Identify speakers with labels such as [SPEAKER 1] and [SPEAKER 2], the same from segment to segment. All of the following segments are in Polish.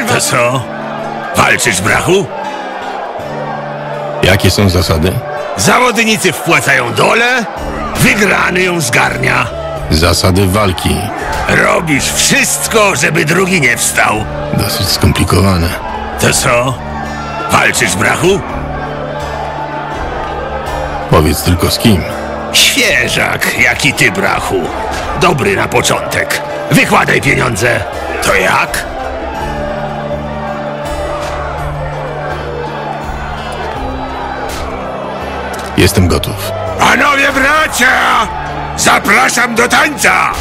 [SPEAKER 1] To co? Walczysz, brachu?
[SPEAKER 2] Jakie są zasady?
[SPEAKER 1] Zawodnicy wpłacają dole, wygrany ją zgarnia.
[SPEAKER 2] Zasady walki.
[SPEAKER 1] Robisz wszystko, żeby drugi nie wstał.
[SPEAKER 2] Dosyć skomplikowane.
[SPEAKER 1] To co? Walczysz, brachu?
[SPEAKER 2] Powiedz tylko z kim.
[SPEAKER 1] Świeżak, jak i ty, brachu. Dobry na początek. Wykładaj pieniądze. To jak?
[SPEAKER 2] Jestem gotów.
[SPEAKER 1] Panowie bracia! Zapraszam do tańca!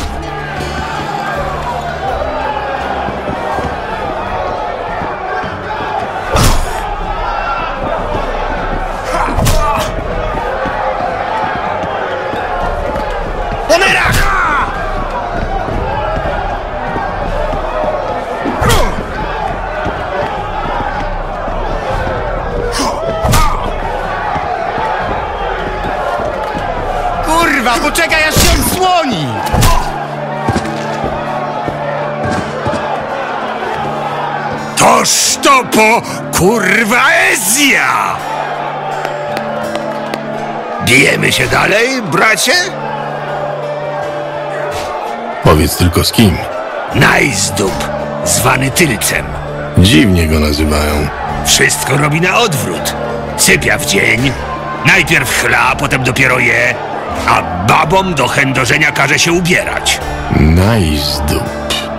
[SPEAKER 3] Kurwa, poczekaj aż się odsłoni!
[SPEAKER 1] Toż to po kurwa Ezja! Bijemy się dalej, bracie?
[SPEAKER 2] Powiedz tylko z kim.
[SPEAKER 1] Najzdób, zwany Tylcem.
[SPEAKER 2] Dziwnie go nazywają.
[SPEAKER 1] Wszystko robi na odwrót. Sypia w dzień, najpierw chla, potem dopiero je, a babom do chędożenia każe się ubierać.
[SPEAKER 2] Najzdób.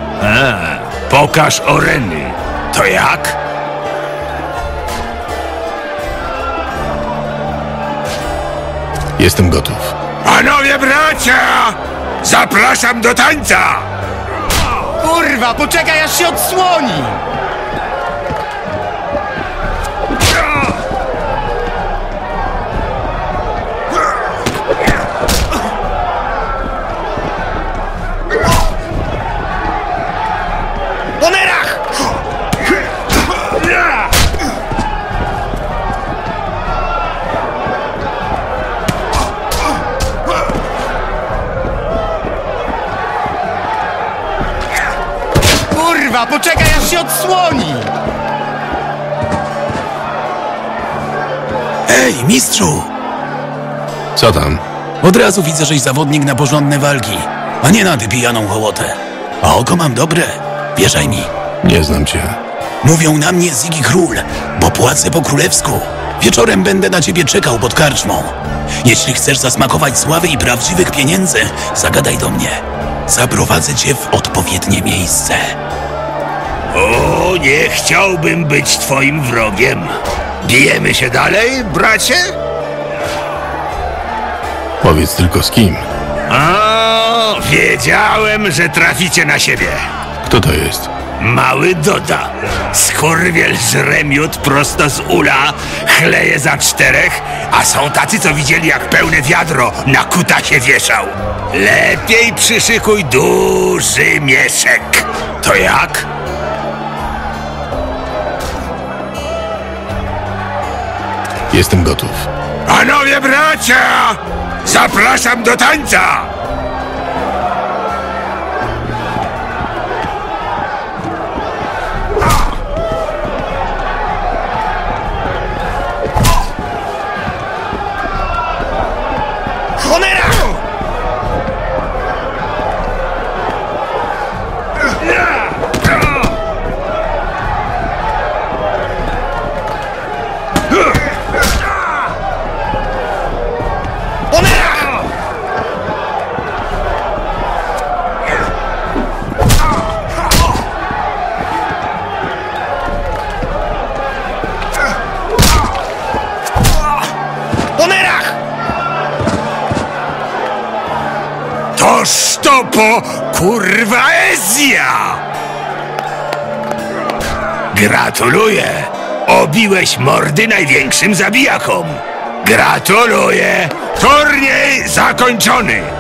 [SPEAKER 1] Pokaż oreny. To jak?
[SPEAKER 2] Jestem gotów.
[SPEAKER 1] Panowie bracia! Zapraszam do tańca!
[SPEAKER 3] Kurwa, poczekaj aż się odsłoni! Kurwa, poczekaj aż się odsłoni!
[SPEAKER 4] Ej, mistrzu!
[SPEAKER 2] Co tam?
[SPEAKER 4] Od razu widzę, żeś zawodnik na porządne walki, a nie na tę pijaną hołotę. A oko mam dobre, wierzaj mi.
[SPEAKER 2] Nie znam cię.
[SPEAKER 4] Mówią na mnie Zigi Król, bo płacę po królewsku. Wieczorem będę na ciebie czekał pod karczmą. Jeśli chcesz zasmakować sławy i prawdziwych pieniędzy, zagadaj do mnie. Zaprowadzę cię w odpowiednie miejsce.
[SPEAKER 1] O, nie chciałbym być twoim wrogiem. Bijemy się dalej, bracie?
[SPEAKER 2] Powiedz tylko z kim.
[SPEAKER 1] A, wiedziałem, że traficie na siebie.
[SPEAKER 2] Kto to jest?
[SPEAKER 1] Mały Doda. Skurwiel żre miód prosto z ula, chleje za 4, a są tacy, co widzieli, jak pełne wiadro na kutasie wieszał. Lepiej przyszykuj duży mieszek. To jak?
[SPEAKER 2] Jestem gotów.
[SPEAKER 1] Panowie bracia! Zapraszam do tańca! Toż to po kurwa Ezja! Gratuluję! Obiłeś mordy największym zabijakom! Gratuluję! Turniej zakończony!